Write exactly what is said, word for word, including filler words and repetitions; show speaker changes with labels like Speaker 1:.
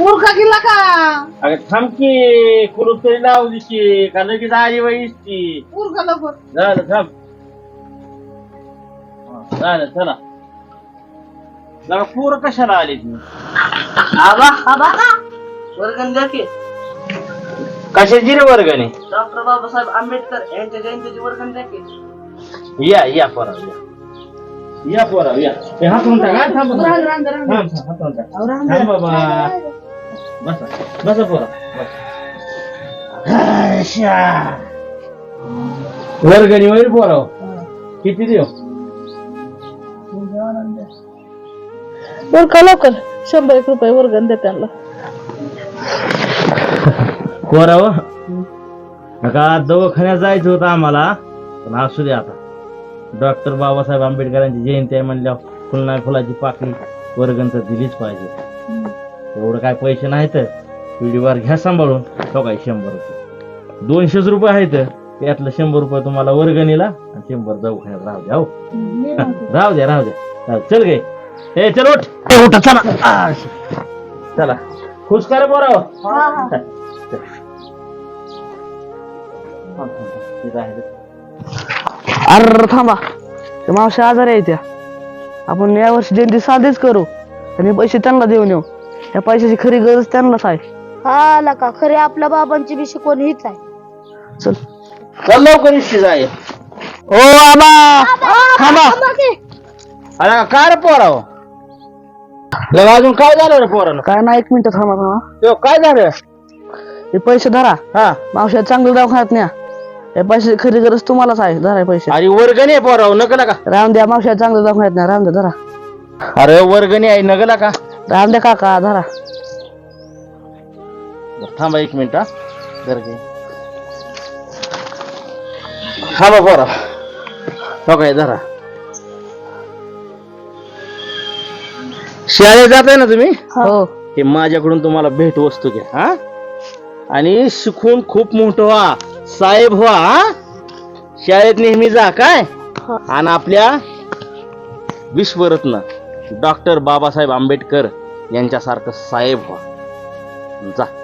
Speaker 1: मूर्खा गेला का
Speaker 2: अगं थांब की कुलूप तरी लावू दिशी का लगेच आली वयची
Speaker 1: मूर्खा लवकर
Speaker 2: झालं थांब हा, झालं चला जरा पोरं कशाला आली ती
Speaker 3: आबा आबा वर्गण द्या की
Speaker 2: कशाची रे वर्गणी
Speaker 3: डॉक्टर बाबासाहेब आंबेडकर यांच्या जयंतीची वर्गण द्या की
Speaker 2: या या पोरा या या पोरा या हे हातून टाक हा, थांब थांब.
Speaker 1: रांग रांग रांग
Speaker 2: थांब, थांब, हातून टाक.
Speaker 1: अहो, रांग
Speaker 2: थांब बाबा बसा बसा पोरा बसा वर्गणी वैर पोरा किती देऊ
Speaker 1: मूर्खा लवकर शंभर एक रुपये वर्गण द्या त्यांना
Speaker 2: पोराव नका दवाखान्यात जायचं होतं आम्हाला पण असू दे आता डॉक्टर बाबासाहेब आंबेडकरांची जयंती आहे म्हणल्यावर फुलना फुलाची पाकळी वर्गण तर दिलीच पाहिजे एवढं काय पैसे नाहीत पिढीवर घ्या सांभाळून तो काय शंभर रुपये दोनशेच रुपये आहेत त्यातलं शंभर रुपये तुम्हाला वर्गणीला आणि शंभर दवाखान्यात राहू द्या हो राहू द्या राहू द्या चल गे ए चल उठ ए, उठा चला आ, चला खुश करा पोराव
Speaker 3: अरे थांबा ते मावशी आजारी आहे त्या आपण या वर्षी जयंती साधीच करू आणि पैसे त्यांना देऊन येऊ या पैशाची खरी गरज त्यांनाच आहे
Speaker 4: हा लका खरे आपल्या बाबांची बी शिकवण हीच आहे
Speaker 3: चल
Speaker 2: चल लवकर इष्टी जाय
Speaker 3: ओ आबा थांबा
Speaker 2: अरे काय रे पोराव लगा अजून काय झालं रे पोरानं
Speaker 3: काय ना एक मिनिट थांबा थांबा
Speaker 2: त्यो काय झालं
Speaker 3: हे पैसे धरा
Speaker 2: हा
Speaker 3: मावशी चांगलं दवाखान्यात न्या या पैशाची खरी गरज तुम्हालाच आहे धरा पैसे
Speaker 2: अरे वर्गणी आहे पोराव नकला का
Speaker 3: राम द्या मावशी चांगलं दवाखान्यात न्या राम द्या धरा
Speaker 2: अरे वर्गणी आहे नगला का
Speaker 3: राम द्या काका धरा
Speaker 2: बरं, थांबा एक मिनिट हा जरा घे. थांबा पोरा हो काय धरा शाळेत जाताय ना तुम्ही
Speaker 3: हो
Speaker 2: हे माझ्याकडून तुम्हाला भेट वस्तू घ्या हा आणि शिकून खूप मोठं व्हा साहेब व्हा हा? शाळेत नेहमी जा काय आणि आपल्या विश्वरत्न डॉक्टर बाबासाहेब आंबेडकर यांच्यासारखं साहेब व्हा जा